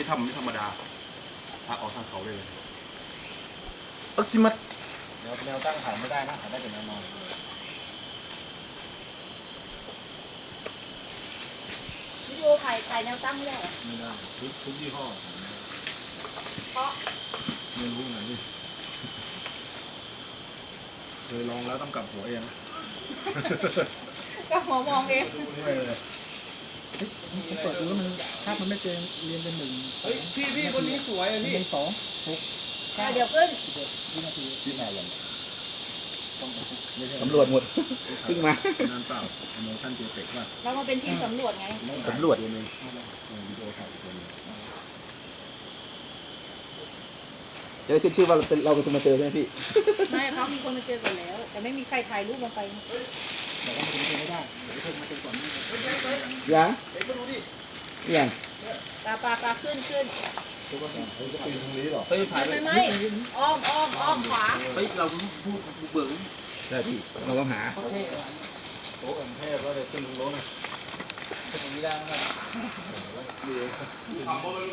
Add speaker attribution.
Speaker 1: ทำไม่ธรรมดาพาออกทางเขาเลย
Speaker 2: จิมัด
Speaker 3: แนวตั้งถ่ายไม่ได้นะถ่ายได้แต่แนวนอน
Speaker 4: วิดีโอถ่ายแนวตั้งไม่ได้เหรอ
Speaker 3: ไม่ได้ทุกยี่ห้อ
Speaker 4: เพราะ
Speaker 3: ไม่รู้ไงนี่เคยลองแล้วต้องกลับหัวเอง
Speaker 4: ก็หัวมองเอง
Speaker 3: ไม่เลยผมเปิดดูแล้วมันภาพมันไม่เจนเรียนเป็นหนึ่งพี่คนนี้สวยอ่ะพี่สอง6
Speaker 4: เดี๋ยวขึ้น
Speaker 3: วินาทีที่มาอย่าง
Speaker 2: สำรวจหมดเพิ่งมา
Speaker 3: นั่นเปล่าโมชั่นเจเปกว่า
Speaker 4: เรามาเป็นทีมสำรวจไง
Speaker 2: สำรวจ
Speaker 3: วิดีโอถ่ายตัวนึง
Speaker 2: จะได้ขึ้นชื่อว่าเราเป็นคนมาเจอใช่ไหมพี่
Speaker 4: ไม่เขามีคนมาเจอกันแล้ว แต่ไม่มีใครถ่ายรูปลงไป
Speaker 3: แต่ว่ามันไม่ได้เดี๋ยวเพิ่มมาเป็นก่อนนี่
Speaker 2: ยังยัง
Speaker 4: ปลาขึ้น
Speaker 3: ตัวก็จะเป็นตรงนี้หรอ
Speaker 2: เฮ้ยถ่ายไป
Speaker 4: ไม่อ้อมขวา
Speaker 2: เฮ้ยเราพูดเบิ่งใช่พี่เราต้องหา
Speaker 3: โต๊ะอันเทพแล้วเดี๋ยวขึ้นรถนะ
Speaker 2: ตรงนี้ได้ไหม